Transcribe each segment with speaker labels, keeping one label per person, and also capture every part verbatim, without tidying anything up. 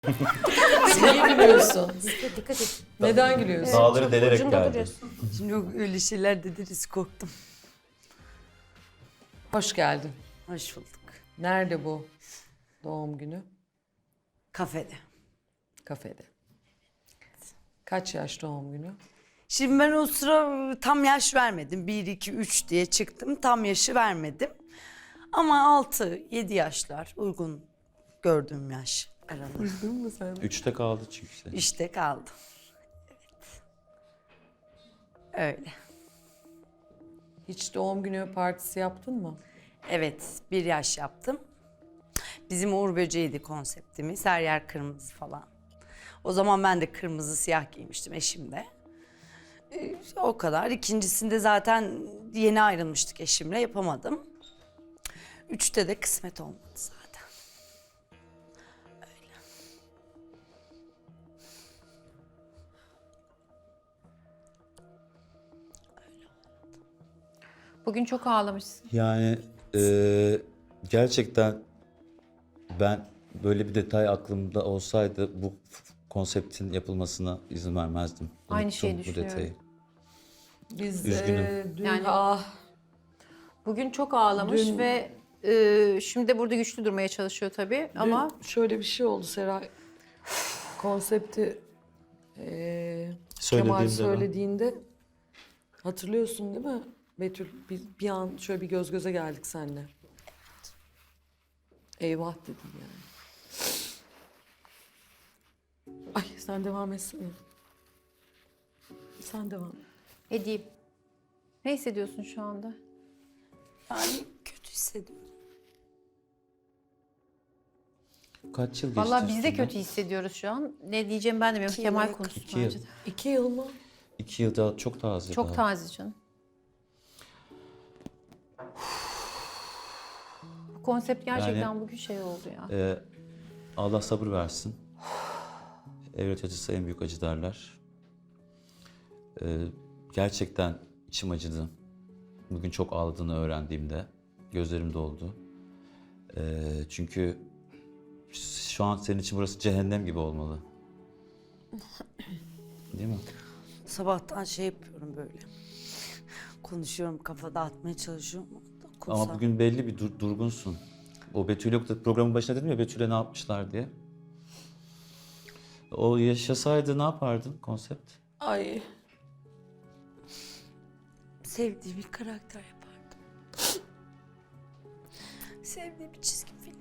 Speaker 1: Niye gülüyorsun?
Speaker 2: Dikkat, dikkat et.
Speaker 1: Neden gülüyorsun?
Speaker 3: Dağları delerek
Speaker 2: Ucunda
Speaker 3: geldi.
Speaker 2: duruyorsun.
Speaker 4: Şimdi yok öyle şeyler dediniz, korktum.
Speaker 1: Hoş geldin.
Speaker 4: Hoş bulduk.
Speaker 1: Nerede bu doğum günü?
Speaker 4: Kafede.
Speaker 1: Kafede. Kaç yaş doğum günü?
Speaker 4: Şimdi ben o sıra tam yaş vermedim. Bir, iki, üç diye çıktım. Tam yaşı vermedim. Ama altı, yedi yaşlar uygun gördüğüm yaş aralığı.
Speaker 1: Duydun mu sen?
Speaker 3: Üçte kaldı çünkü. Sen.
Speaker 4: İşte kaldım. Evet. Öyle.
Speaker 1: Hiç doğum günü partisi yaptın mı?
Speaker 4: Evet, bir yaş yaptım. Bizim Uğur Böceği'ydi konseptimiz. Her yer kırmızı falan. O zaman ben de kırmızı siyah giymiştim, eşim de. Ee, o kadar. İkincisinde zaten yeni ayrılmıştık eşimle, yapamadım. Üçte de kısmet olmadı zaten.
Speaker 2: Bugün çok ağlamışsın.
Speaker 3: Yani e, gerçekten ben böyle bir detay aklımda olsaydı bu f- konseptin yapılmasına izin vermezdim.
Speaker 2: Aynı
Speaker 3: Unuttum
Speaker 2: şeyi
Speaker 3: bu
Speaker 2: düşünüyorum.
Speaker 3: detayı.
Speaker 1: Biz
Speaker 3: Üzgünüm.
Speaker 1: e, dün
Speaker 2: Yani-
Speaker 1: ah
Speaker 2: Bugün çok ağlamış
Speaker 1: Dün-
Speaker 2: ve e, şimdi de burada güçlü durmaya çalışıyor tabii ama
Speaker 1: dün şöyle bir şey oldu Seray. Konsepti e, Kemal
Speaker 3: Söylediğimde ben-
Speaker 1: söylediğinde hatırlıyorsun değil mi? Betül bir, bir an şöyle bir göz göze geldik seninle. Eyvah dedim yani. Ay sen devam etsene. Sen devam et.
Speaker 2: edeyim. Ne hissediyorsun şu anda?
Speaker 4: Yani kötü hissediyorum.
Speaker 3: Kaç yıl geçti?
Speaker 2: Vallahi biz de
Speaker 3: üstünden?
Speaker 2: kötü hissediyoruz şu an. Ne diyeceğim ben de bilmiyorum.
Speaker 4: İki
Speaker 2: Kemal
Speaker 4: yıl.
Speaker 2: konuşsun
Speaker 3: İki yıl.
Speaker 2: bence de.
Speaker 1: İki yıl mı?
Speaker 3: İki yıl daha çok taze
Speaker 2: Çok
Speaker 3: daha.
Speaker 2: taze canım. Bu konsept gerçekten
Speaker 3: Yani-
Speaker 2: bugün şey oldu ya.
Speaker 3: Ee, Allah sabır versin. Evlat acısı en büyük acı derler. Ee, gerçekten içim acıdı. Bugün çok ağladığını öğrendiğimde gözlerim doldu. Ee, çünkü şu an senin için burası cehennem gibi olmalı. Değil mi?
Speaker 4: Sabahtan şey yapıyorum böyle. Konuşuyorum, kafa dağıtmaya çalışıyorum.
Speaker 3: Ama bugün belli bir dur- durgunsun. O Betül yoktu. Programın başında dedim ya Betül'e ne yapmışlar diye. O yaşasaydı ne yapardın konsept?
Speaker 1: Ay
Speaker 4: Sevdiğim bir karakter yapardım. Sevdiğim bir çizgi film.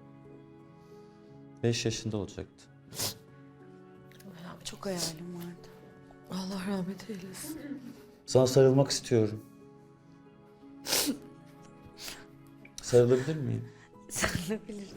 Speaker 3: Beş yaşında olacaktı.
Speaker 4: Çok hayalim vardı.
Speaker 1: Allah rahmet eylesin.
Speaker 3: Sana sarılmak istiyorum. Sarılabilir miyim?
Speaker 4: Sarılabiliriz.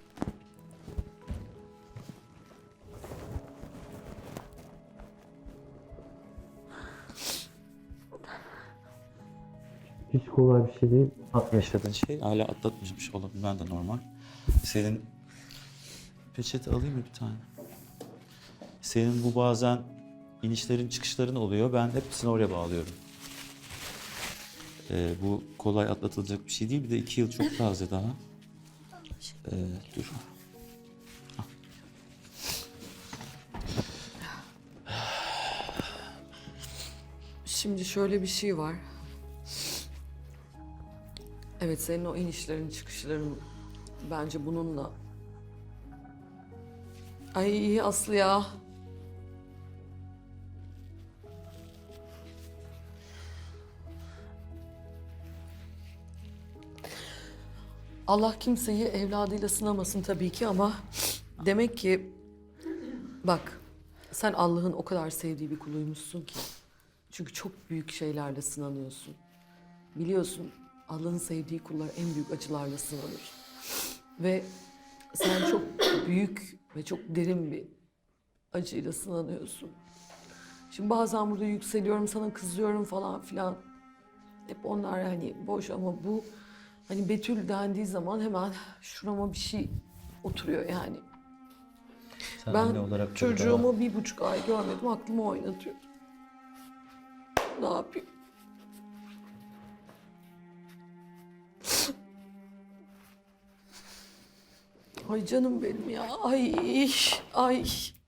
Speaker 3: Hiç kolay bir şey değil. Yaşadığın şey hala atlatmış olabilmen de normal. Senin peçete alayım mı bir tane? Senin bu bazen inişlerin çıkışların oluyor. Ben hepsini oraya bağlıyorum. Ee, bu kolay atlatılacak bir şey değil. Bir de iki yıl çok taze daha. Ee, dur. Al.
Speaker 1: Şimdi şöyle bir şey var. Evet senin o inişlerin çıkışların bence bununla. Ay iyi Aslı ya. Allah kimseyi evladıyla sınamasın tabii ki ama demek ki bak sen Allah'ın o kadar sevdiği bir kuluymuşsun ki. Çünkü çok büyük şeylerle sınanıyorsun. Biliyorsun Allah'ın sevdiği kullar en büyük acılarla sınanır. Ve sen çok büyük ve çok derin bir acıyla sınanıyorsun. Şimdi bazen burada yükseliyorum, sana kızıyorum falan filan. Hep onlar hani boş ama bu hani Betül dendiği zaman hemen şurama bir şey oturuyor yani.
Speaker 3: Sen
Speaker 1: Ben
Speaker 3: anne olarak tabii
Speaker 1: çocuğumu bir buçuk ay görmedim, aklımı oynatıyor. Ne yapayım? Ay canım benim ya. Ay, ay.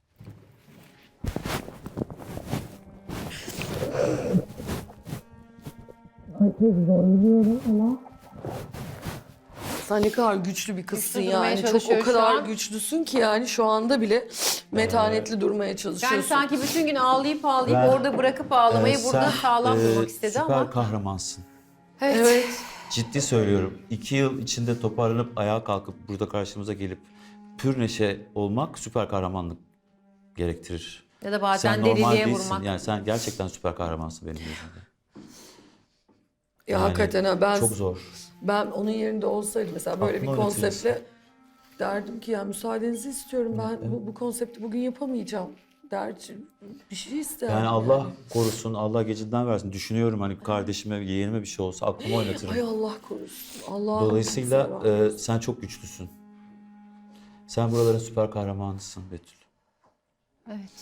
Speaker 1: Sen ne kadar güçlü bir kızsın
Speaker 2: Güçlü durmaya
Speaker 1: yani. Çok o
Speaker 2: çalışıyor şu
Speaker 1: kadar
Speaker 2: an.
Speaker 1: güçlüsün ki yani şu anda bile metanetli durmaya çalışıyorsun.
Speaker 2: Yani sanki bütün gün ağlayıp ağlayıp
Speaker 3: Ben-
Speaker 2: orada bırakıp ağlamayı
Speaker 3: Ee,
Speaker 2: burada
Speaker 3: sen,
Speaker 2: sağlam
Speaker 3: e,
Speaker 2: durmak istedi
Speaker 3: süper
Speaker 2: ama.
Speaker 3: kahramansın.
Speaker 2: Evet.
Speaker 1: Evet.
Speaker 3: Ciddi söylüyorum. İki yıl içinde toparlanıp ayağa kalkıp burada karşımıza gelip pür neşe olmak süper kahramanlık gerektirir.
Speaker 2: Ya da bazen
Speaker 3: Sen normal
Speaker 2: deliliğe
Speaker 3: değilsin.
Speaker 2: vurmak.
Speaker 3: Yani sen gerçekten süper kahramansın benim gözümde.
Speaker 1: Ya
Speaker 3: Yani
Speaker 1: hakikaten ha ben
Speaker 3: Çok zor.
Speaker 1: ben onun yerinde olsaydım mesela böyle
Speaker 3: Aklına
Speaker 1: bir konseptle
Speaker 3: oynatıyorsun.
Speaker 1: derdim ki ya müsaadenizi istiyorum ben bu, bu konsepti bugün yapamayacağım derdim. Bir şey isterim.
Speaker 3: Yani Allah korusun, Allah gecinden versin. Düşünüyorum hani kardeşime, yeğenime bir şey olsa aklımı oynatırım.
Speaker 1: Ay Allah korusun. Allah
Speaker 3: Dolayısıyla e, sen çok güçlüsün. Sen buraların süper kahramanısın Betül.
Speaker 2: Evet.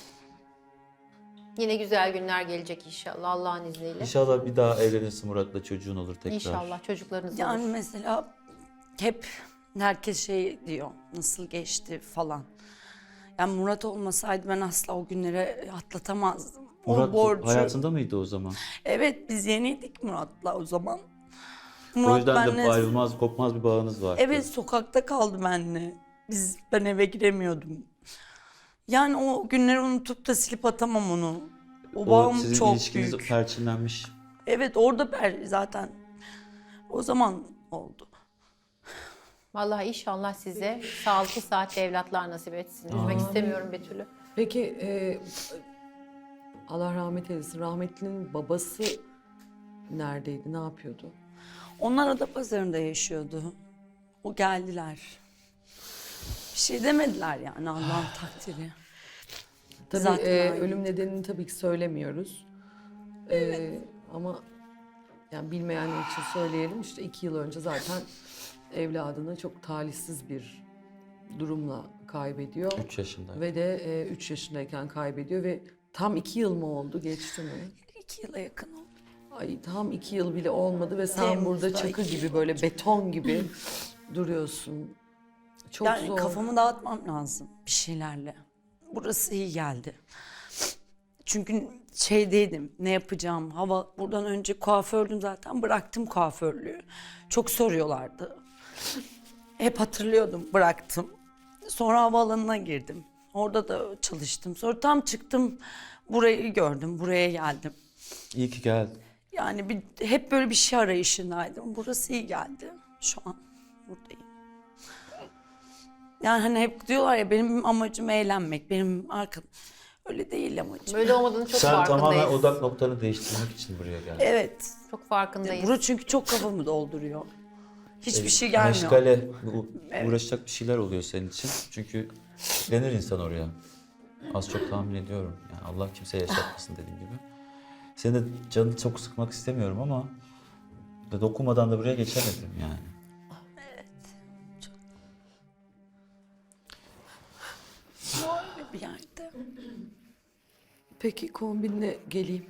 Speaker 2: Yine güzel günler gelecek inşallah Allah'ın izniyle.
Speaker 3: İnşallah bir daha evlenirsin Murat'la, çocuğun olur tekrar.
Speaker 2: İnşallah çocuklarınız
Speaker 4: Yani
Speaker 2: olur.
Speaker 4: mesela hep herkes şey diyor, nasıl geçti falan. Yani Murat olmasaydı ben asla o günleri atlatamazdım.
Speaker 3: Murat
Speaker 4: o borcu.
Speaker 3: hayatında mıydı o zaman?
Speaker 4: Evet, biz yeniydik Murat'la o zaman.
Speaker 3: O yüzden de
Speaker 4: benle-
Speaker 3: ayrılmaz, kopmaz bir bağınız var.
Speaker 4: Evet, sokakta kaldı benimle. Biz, ben eve giremiyordum. Yani o günleri unutup da silip atamam onu. O
Speaker 3: O
Speaker 4: bağım
Speaker 3: sizin
Speaker 4: çok
Speaker 3: ilişkiniz
Speaker 4: büyük.
Speaker 3: perçinlenmiş.
Speaker 4: Evet, orada ben zaten o zaman oldu.
Speaker 2: Vallahi inşallah size sağlıklı saatli evlatlar nasip etsin. Üzmek istemiyorum Betül'ü.
Speaker 1: Peki e, Allah rahmet eylesin. Rahmetlinin babası neredeydi? Ne yapıyordu?
Speaker 4: Onlar Adapazarı'nda yaşıyordu. O geldiler. Bir şey demediler yani Allah'ın takdiri.
Speaker 1: Tabii
Speaker 4: Zaten
Speaker 1: e,
Speaker 4: aynı.
Speaker 1: ölüm nedenini tabii ki söylemiyoruz. E, ama yani bilmeyenler için söyleyelim. İşte iki yıl önce zaten evladını çok talihsiz bir durumla kaybediyor.
Speaker 3: Üç yaşında.
Speaker 1: Ve de e, üç yaşındayken kaybediyor ve tam iki yıl mı oldu? Geçti mi?
Speaker 4: İki yıla yakın oldu.
Speaker 1: Ay tam iki yıl bile olmadı ve sen
Speaker 4: Temmuz'da
Speaker 1: burada çakı
Speaker 4: iki
Speaker 1: gibi
Speaker 4: yıl
Speaker 1: böyle beton gibi duruyorsun. Çok
Speaker 4: Yani
Speaker 1: zor.
Speaker 4: kafamı dağıtmam lazım bir şeylerle. Burası iyi geldi. Çünkü şeydeydim, ne yapacağım, hava buradan önce kuafördüm zaten, bıraktım kuaförlüğü. Çok soruyorlardı. Hep hatırlıyordum, bıraktım. Sonra havaalanına girdim. Orada da çalıştım. Sonra tam çıktım, burayı gördüm, buraya geldim.
Speaker 3: İyi ki geldin.
Speaker 4: Yani bir, hep böyle bir şey arayışındaydım. Burası iyi geldi. Şu an buradayım. Yani hani hep diyorlar ya benim amacım eğlenmek, benim arkam. Öyle değil amacım.
Speaker 2: Böyle olmadığını çok
Speaker 3: Sen
Speaker 2: farkındayız.
Speaker 3: tamamen odak noktanı değiştirmek için buraya geldin.
Speaker 4: Evet.
Speaker 2: Çok farkındayız.
Speaker 4: Burası çünkü çok kafamı dolduruyor. Hiçbir şey gelmiyor.
Speaker 3: Meşgale, u- uğraşacak bir şeyler oluyor senin için. Çünkü denir insan oraya. Az çok tahmin ediyorum. Yani Allah kimseye yaşatmasın dediğim gibi. Senin de canını çok sıkmak istemiyorum ama de dokunmadan da buraya geçemedim yani.
Speaker 4: Böyle bir yerde.
Speaker 1: Peki kombinle geleyim.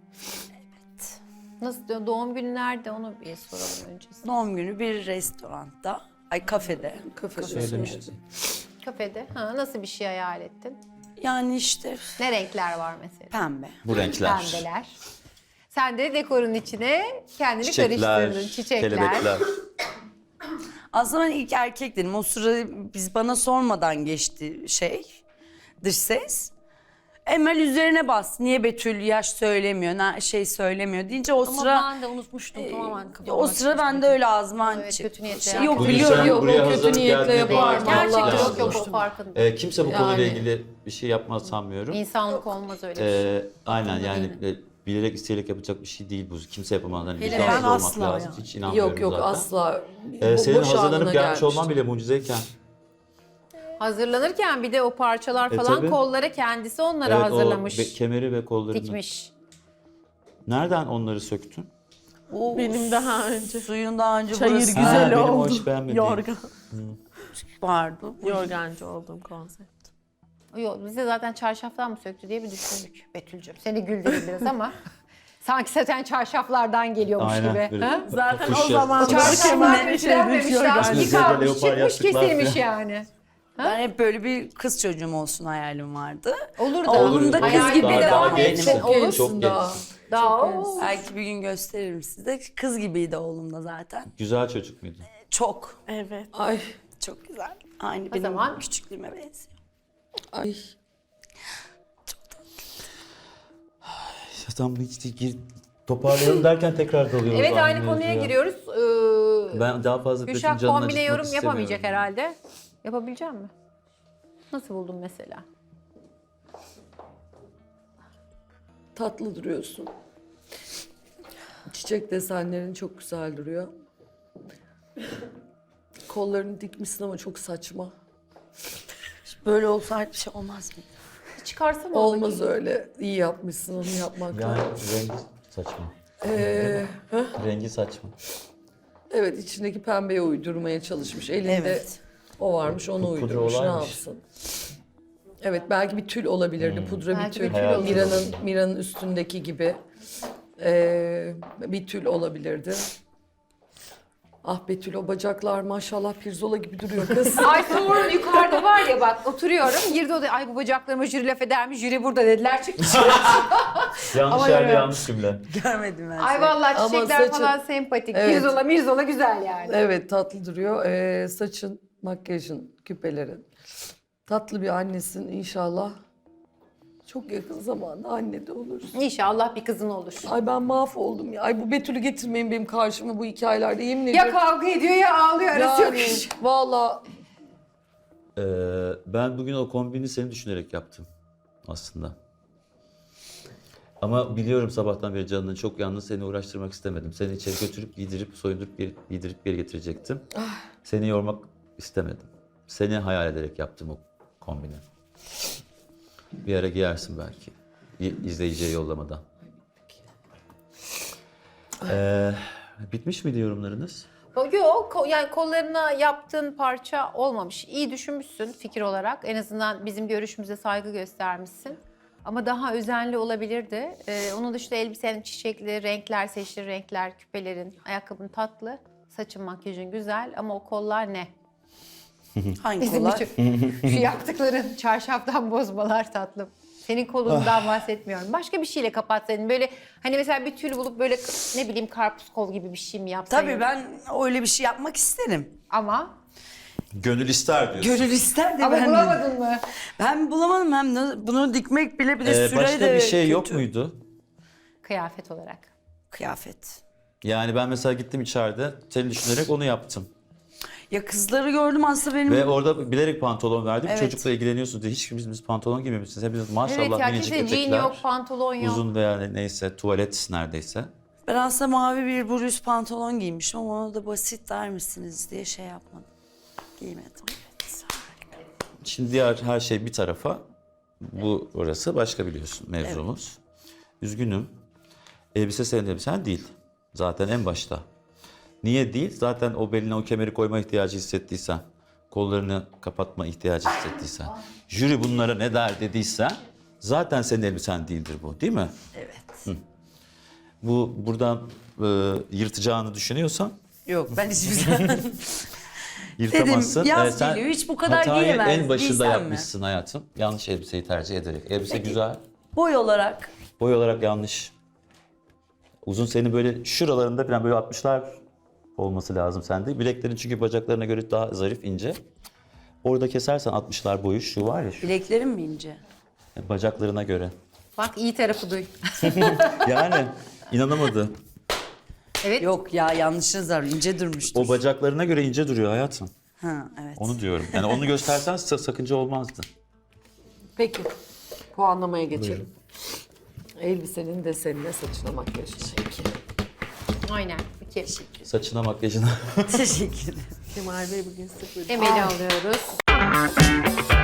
Speaker 2: Nasıl diyor, doğum günü nerede onu bir soralım öncesinde.
Speaker 4: Doğum günü bir restoranda, ay kafede.
Speaker 1: Kafede
Speaker 3: Söylemiştin.
Speaker 2: Kafede. Ha, nasıl bir şey hayal ettin?
Speaker 4: Yani işte
Speaker 2: Ne renkler var mesela?
Speaker 4: pembe.
Speaker 3: Bu renkler.
Speaker 2: Pembeler. Sen de dekorun içine kendini
Speaker 3: Çiçekler,
Speaker 2: karıştırdın. Çiçekler.
Speaker 3: kelebekler.
Speaker 4: Aslında ben ilk erkek dedim. O sıra biz bana sormadan geçti şey, dış ses. Emel üzerine bas. Niye Betül yaş söylemiyor, ne şey söylemiyor deyince o
Speaker 5: Ama
Speaker 4: sıra
Speaker 5: ben de unutmuştum tamamen kafamda.
Speaker 4: o sıra ben de öyle ağzıma
Speaker 2: Evet,
Speaker 4: çıktı.
Speaker 2: kötü niyetle
Speaker 4: Şey,
Speaker 2: yaptım.
Speaker 4: yok
Speaker 3: Bugün
Speaker 4: biliyorum.
Speaker 3: sen
Speaker 1: yok,
Speaker 3: buraya
Speaker 1: o kötü
Speaker 3: hazırlık
Speaker 1: niyetle
Speaker 3: geldiğine
Speaker 1: yapar.
Speaker 3: bağırman
Speaker 2: Gerçekten
Speaker 1: Vallahi.
Speaker 2: yok yok o farkında.
Speaker 3: Ee, kimse bu konuyla
Speaker 1: Yani.
Speaker 3: ilgili bir şey yapmaz sanmıyorum.
Speaker 2: İnsanlık olmaz öyle bir şey.
Speaker 3: Ee, aynen yani e, bilerek isteyerek yapacak bir şey değil bu. Kimse yapamaz. Hani
Speaker 5: Hele
Speaker 3: vicdansız
Speaker 5: ben
Speaker 3: olmak
Speaker 5: asla
Speaker 3: lazım.
Speaker 5: yani.
Speaker 3: Hiç inanmıyorum
Speaker 1: Yok yok
Speaker 3: zaten.
Speaker 1: asla.
Speaker 3: Ee,
Speaker 1: Bo-
Speaker 3: senin
Speaker 1: boş
Speaker 3: hazırlanıp
Speaker 1: anına
Speaker 3: gelmiş
Speaker 1: gelmiştim.
Speaker 3: olman bile mucizeyken.
Speaker 2: Hazırlanırken bir de o parçalar
Speaker 3: E,
Speaker 2: falan
Speaker 3: tabii.
Speaker 2: kollara kendisi onları
Speaker 3: Evet,
Speaker 2: hazırlamış.
Speaker 3: o be- kemeri ve kollarını.
Speaker 2: Dikmiş.
Speaker 3: Nereden onları söktün?
Speaker 4: O
Speaker 5: Benim daha önce.
Speaker 4: suyun daha önce
Speaker 5: Çayır
Speaker 4: burası
Speaker 3: Ha,
Speaker 5: güzel
Speaker 3: benim o
Speaker 5: oldu.
Speaker 3: hiç beğenmediğim.
Speaker 5: Yorgan.
Speaker 4: vardı.
Speaker 5: Yorgancı olduğum konsept.
Speaker 2: Yok bize zaten çarşaftan mı söktü diye bir düşündük Betül'cüğüm. Seni güldürdü biraz ama sanki zaten çarşaflardan geliyormuş
Speaker 3: Aynen.
Speaker 2: gibi.
Speaker 3: böyle
Speaker 2: Ha?
Speaker 5: Zaten
Speaker 3: papuç
Speaker 5: o zaman
Speaker 3: yastık.
Speaker 2: Çarşaflar
Speaker 5: Kemer
Speaker 2: ütülenmemiş,
Speaker 5: şeymiş,
Speaker 2: lastik
Speaker 3: Bizde de
Speaker 2: almış,
Speaker 3: leopar
Speaker 2: çıkmış
Speaker 3: yastıklar
Speaker 2: kesilmiş
Speaker 3: falan.
Speaker 2: yani.
Speaker 4: Ben hep böyle bir kız çocuğum olsun hayalim vardı.
Speaker 2: Olur da.
Speaker 4: Oğlum da kız
Speaker 2: Hayal
Speaker 4: gibi
Speaker 2: gibi
Speaker 3: Daha-
Speaker 2: devam
Speaker 3: daha genç
Speaker 2: etsin.
Speaker 3: mi?
Speaker 2: Olur.
Speaker 3: Çok genç.
Speaker 1: daha.
Speaker 2: Daha o.
Speaker 4: Belki bir gün gösteririm size. Kız gibiydi oğlum da zaten.
Speaker 3: Güzel çocuk muydu?
Speaker 4: Çok.
Speaker 5: Evet.
Speaker 1: Ay,
Speaker 4: Çok güzel. Aynı benim
Speaker 2: zaman-
Speaker 4: küçüklüğüme benziyor.
Speaker 1: ay.
Speaker 3: Ya tam işte gir, toparlayalım derken tekrar dalıyoruz.
Speaker 2: Evet aynı
Speaker 3: aynı
Speaker 2: konuya
Speaker 3: mevzuya.
Speaker 2: giriyoruz. Ee,
Speaker 3: Ben daha fazla Betül'ün
Speaker 2: Gülşah
Speaker 3: canını
Speaker 2: kombine
Speaker 3: acıtmak
Speaker 2: yorum
Speaker 3: istemiyorum.
Speaker 2: yapamayacak herhalde. Yapabilecek mi? Nasıl buldun mesela?
Speaker 1: Tatlı duruyorsun. Çiçek desenlerin çok güzel duruyor. Kollarını dikmişsin ama çok saçma.
Speaker 4: Böyle olsaydı bir şey olmaz mı?
Speaker 2: Çıkarsana
Speaker 1: Olmaz öyle. İyi yapmışsın, onu yapmak
Speaker 3: Yani
Speaker 1: lazım.
Speaker 3: rengi saçma.
Speaker 1: Ee,
Speaker 3: Rengi saçma.
Speaker 1: evet, içindeki pembeye uydurmaya çalışmış. Elinde
Speaker 4: Evet.
Speaker 1: o varmış, onu
Speaker 3: Pudra
Speaker 1: uydurmuş. Ne
Speaker 3: olaymış.
Speaker 1: yapsın? Evet, belki bir tül olabilirdi. Pudra
Speaker 2: Belki
Speaker 1: bir
Speaker 2: bir
Speaker 1: tül.
Speaker 2: tül
Speaker 3: olabilir.
Speaker 1: Mira'nın Mira'nın üstündeki gibi. Ee, bir tül olabilirdi. Ah Betül, o bacaklar maşallah pirzola gibi duruyor kız.
Speaker 2: Ay sonra yukarıda var ya bak oturuyorum. Girdi odaya. Ay bu bacaklarıma jüri laf edermiş. Jüri burada dediler. Çıktı.
Speaker 3: Yanlış
Speaker 2: Ama
Speaker 3: yerde
Speaker 2: öyle.
Speaker 3: yanlış cümle.
Speaker 4: Görmedim ben
Speaker 2: Ay
Speaker 4: seni.
Speaker 2: vallahi
Speaker 1: Ama
Speaker 2: çiçekler
Speaker 1: saçı-
Speaker 2: falan sempatik.
Speaker 1: Evet.
Speaker 2: Mirzola mirzola güzel yani.
Speaker 1: Evet, tatlı duruyor. Ee, saçın, makyajın, küpelerin. Tatlı bir annesin inşallah. Çok yakın zamanda anne de olursun.
Speaker 2: İnşallah bir kızın olur.
Speaker 1: Ay ben mahvoldum ya. Ay bu Betül'ü getirmeyin benim karşıma bu hikayelerde, yemin
Speaker 2: Ya
Speaker 1: ediyorum.
Speaker 2: kavga ediyor ya ağlıyor. Arası yok.
Speaker 1: Yani valla
Speaker 3: Ee, ben bugün o kombini seni düşünerek yaptım aslında. Ama biliyorum sabahtan beri canının çok yalnız, seni uğraştırmak istemedim. Seni içeri götürüp giydirip soyundurup geri, giydirip geri getirecektim. Seni yormak istemedim. Seni hayal ederek yaptım o kombini. Bir ara giyersin belki. İ- izleyiciye yollamadan. Ee, bitmiş miydi yorumlarınız?
Speaker 2: Yok ko- yani kollarına yaptığın parça olmamış. İyi düşünmüşsün fikir olarak. En azından bizim görüşümüze saygı göstermişsin. Ama daha özenli olabilirdi. Ee, onun dışında elbisenin çiçekli, renkler, seçili renkler, küpelerin, ayakkabın tatlı. Saçın, makyajın güzel ama o kollar ne?
Speaker 4: Hangi
Speaker 2: Bizim
Speaker 4: kollar?
Speaker 2: şu, şu yaptıkların çarşaftan bozmalar tatlım. Senin kolundan bahsetmiyorum. Başka bir şeyle kapatsaydın. Böyle hani mesela bir tül bulup böyle ne bileyim karpuz kol gibi bir şey mi yapsaydın?
Speaker 4: Tabii ben öyle bir şey yapmak isterim.
Speaker 2: Ama
Speaker 3: Gönül ister diyorsun.
Speaker 4: Gönül ister de
Speaker 2: ama
Speaker 4: ben
Speaker 2: bulamadın mı?
Speaker 4: Ben bulamadım, hem de bunu dikmek bile bir de
Speaker 3: Ee,
Speaker 4: süre
Speaker 3: başka
Speaker 4: de
Speaker 3: bir şey
Speaker 4: kötü.
Speaker 3: yok muydu?
Speaker 2: Kıyafet olarak.
Speaker 4: Kıyafet.
Speaker 3: Yani ben mesela gittim içeride seni düşünerek onu yaptım.
Speaker 4: Ya kızları gördüm aslında benim.
Speaker 3: Ve orada bilerek pantolon verdim.
Speaker 4: Evet.
Speaker 3: Çocukla ilgileniyorsunuz diye hiç kimimiz pantolon giymemişsiniz. Hepiniz maşallah
Speaker 2: Evet ya
Speaker 3: minicik
Speaker 2: kimse jean
Speaker 3: etekler.
Speaker 2: yok, pantolon yok.
Speaker 3: Uzun veya neyse tuvalet neredeyse.
Speaker 4: Ben aslında mavi bir bluz pantolon giymiştim ama ona da basit der misiniz diye şey yapmadım. Giymedim.
Speaker 3: Şimdi diğer her şey bir tarafa. Bu orası başka biliyorsun mevzumuz. Üzgünüm. Elbise senin elbisen değil. Zaten en başta. Niye değil? Zaten o beline o kemeri koyma ihtiyacı hissettiysen, kollarını kapatma ihtiyacı hissettiysen, jüri bunlara ne der dediysen zaten senin elbisen değildir bu, değil mi?
Speaker 4: Evet.
Speaker 3: Bu buradan e, yırtacağını düşünüyorsan
Speaker 4: Yok ben hiçbir zaman...
Speaker 3: yırtamazsın.
Speaker 4: Dedim, yaz
Speaker 3: Ee, sen
Speaker 4: geliyor, hiç bu kadar
Speaker 3: hatayı
Speaker 4: giyemez,
Speaker 3: en başında
Speaker 4: giysem mi?
Speaker 3: yapmışsın hayatım. Yanlış elbiseyi tercih ederek. Elbise güzel.
Speaker 4: Boy olarak
Speaker 3: Boy olarak yanlış. Uzun seni böyle şuralarında falan böyle altmışlar olması lazım sende. Bileklerin çünkü bacaklarına göre daha zarif, ince. Orada kesersen altmışlar boyu şu var ya şu.
Speaker 4: bileklerim mi ince?
Speaker 3: Bacaklarına göre.
Speaker 2: Bak iyi tarafı duy.
Speaker 3: Yani inanamadı.
Speaker 2: Evet.
Speaker 4: Yok ya yanlışınız var, ince durmuştur.
Speaker 3: O bacaklarına göre ince duruyor hayatım.
Speaker 4: Ha evet.
Speaker 3: Onu diyorum. Yani onu göstersen sa- sakınca olmazdı.
Speaker 1: peki puanlamaya geçelim. Elbisenin desenine, saçına, makyajına. Peki.
Speaker 2: Aynen. İki.
Speaker 3: Saçına, makyajına.
Speaker 4: Teşekkür ederim.
Speaker 5: Kemal Bey bugün sıfır.
Speaker 2: Emel'i alıyoruz.